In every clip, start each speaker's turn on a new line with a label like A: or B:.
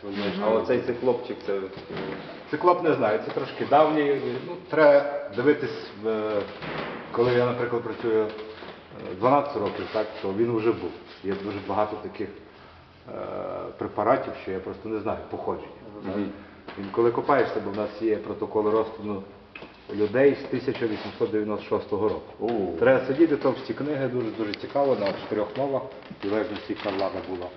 A: А оцей хлопчик, це...
B: Циклоп не знаю, це трошки давній. Ну, треба дивитись, коли я, наприклад, працюю 12 років, так, то він вже був. Є дуже багато таких препаратів, що я просто не знаю походження. Він, коли копаєшся, бо в нас є протокол розтину людей з 1896 року. Треба сидіти, товсті книги, дуже цікаво, на 4 мовах, в залежності яка влада була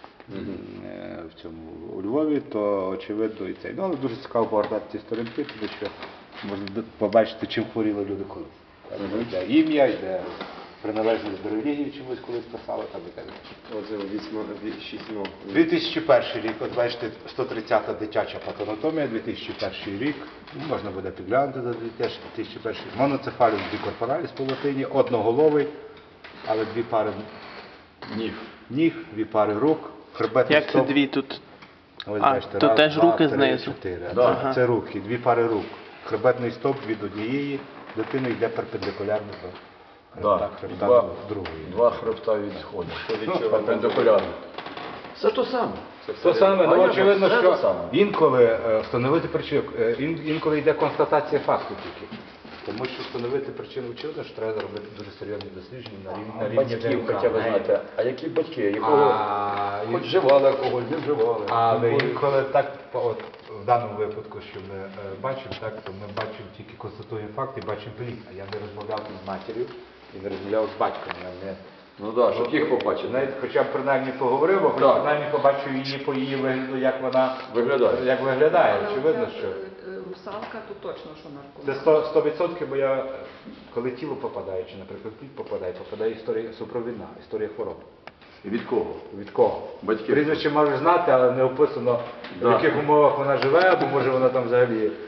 B: в цьому у Львові, то очевидно і цей. Ну, але дуже цікаво повертати ці сторінки, тому що можна побачити, чим хворіли люди колись. Йде ім'я, йде приналежність до релігії, чомусь колись писали там і так.
A: Оце 6 мов.
B: 2001 рік, от бачите, 130-та дитяча патанатомія, 2001 рік, можна буде підглянути за 2001 рік. Моноцефаліс бікорпораліс по латині, одноголовий, але 2 пари ніг, 2 пари рук, хребетний
C: Як це
B: стовп.
C: дві тут?
B: Ось,
C: А,
B: бачите,
C: тут
B: раз,
C: теж
B: два,
C: руки
B: три,
C: знизу.
B: 4.
C: Ага.
B: Це руки, 2 пари рук. Хребетний стовп від однієї дитини йде перпендикулярно до хребта до другої.
D: 2 хребта відходять. Перпендикулярно. Це то саме.
B: Те саме, ну очевидно,
D: це
B: що
D: те саме.
B: інколи встановити причину, інколи йде констатація факту тільки. Тому що встановити причину очевидно, що треба зробити дуже серйозні дослідження на рівні
D: Батьків, хоча ви знаєте, а які батьки, якого
B: А,
D: хоч вживали алкоголь, не вживали.
B: але інколи так, от в даному випадку, що ми бачимо, так, то ми бачимо тільки констатуємо факт і бачимо плід. А я не розмовляв з матір'ю і не розмовляв з батьком. Я не...
D: Ну так, щоб їх побачити.
B: Навіть хоча б принаймні поговорив, бо
D: Так.
B: принаймні побачив її по її вигляду, як вона
D: Виглядає.
B: Очевидно, що
E: Русалка, то точно, що наркоман.
B: це 100%, бо я, коли тіло попадає, чи, наприклад, плід попадає історія супровідна, історія хвороб.
D: І від кого?
B: Від кого?
D: Батьків.
B: Прізвище можеш знати, але не описано, в
D: Да.
B: яких умовах вона живе, або може вона там взагалі